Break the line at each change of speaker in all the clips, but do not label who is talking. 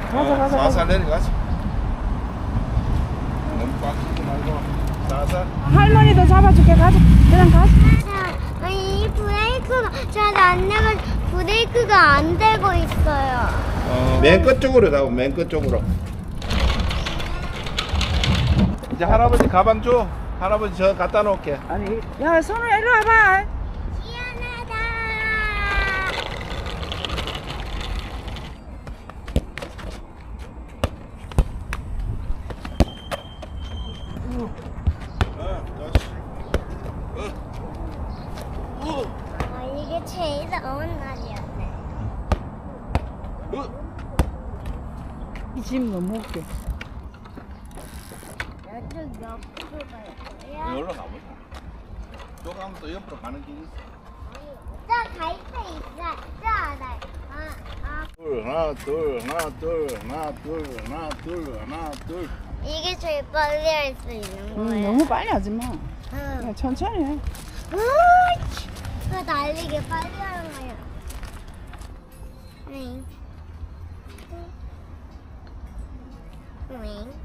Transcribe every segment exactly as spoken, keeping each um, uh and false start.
가자, 가자, 가자.
살살 내려가자. 너무 꽉 끼지 말고 살살.
할머니도 잡아줄게. 가자. 그냥 가자.
아니, 이 브레이크가 잘 안 내가 브레이크가 안 되고 있어요.
어, 맨 끝쪽으로 가고 맨 끝쪽으로. 이제 할아버지 가방 줘. 할아버지 저 갖다 놓을게.
아니, 야, 손을 이리 와봐.
미안하다. 아, 이게 제일 더운 날이었네.
이 집 너무 웃겨.
이쪽 옆으로 갈 거야.
여기로 가보자. 또 가면 또 옆으로 가는 길이 있어.
저갈 때 있어. 저 알아. 아, 아.
둘, 하나, 둘, 하나, 둘, 하나, 둘, 하나, 둘, 하나, 둘.
이게 제일 빨리 할 수 있는
응,
거예요.
너무 빨리 하지 마.
응.
야, 천천히 해.
으이치. 그 날리게 빨리 하는 거야. 응. 응.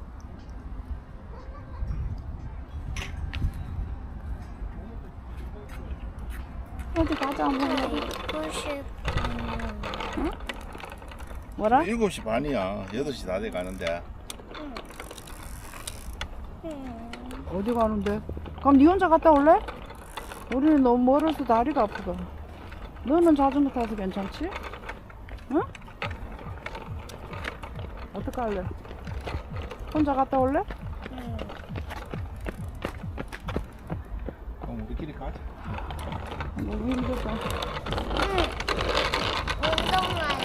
어디 가자, 한번.
보고 싶어.
뭐라?
일곱 시 반이야. 여덟 시 다 돼 가는데.
응.
어디 가는데? 그럼 니 혼자 갔다 올래? 우리는 너무 멀어서 다리가 아프다. 너는 자전거 타서 괜찮지? 응? 어떡할래? 혼자 갔다 올래?
응.
그럼 우리끼리 가자.
너무 힘들다.
운동만.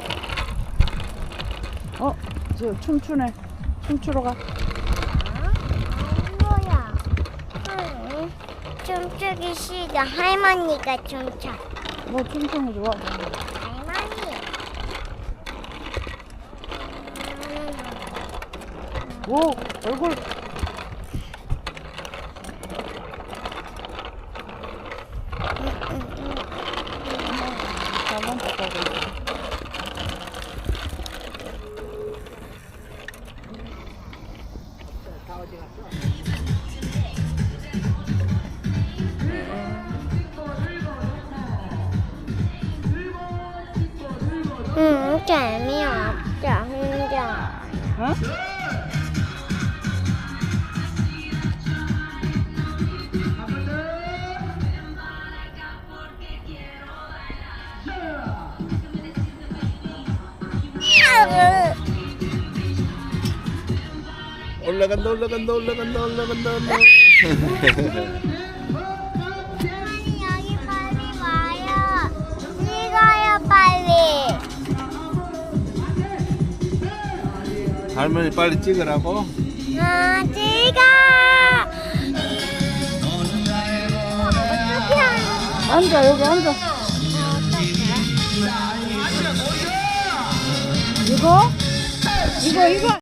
어? 저 춤추네. 춤추러 가.
어? 뭐야? 응. 춤추기 싫어. 할머니가 춤춰.
너 춤추는 거 좋아?
할머니.
오! 얼굴! 잘만 닦아고 있어.
응, 재미없어, 혼자.
어?
올라간다, 올라간다, 올라간다, 올라간다. 올라간다.
할머니, 여기 빨리 와요. 찍어요, 빨리.
할머니 빨리 찍으라고.
아, 찍어. 어떻게 하는 거야?
앉아, 여기 앉아.
어떡해?
이거? 이거, 이거.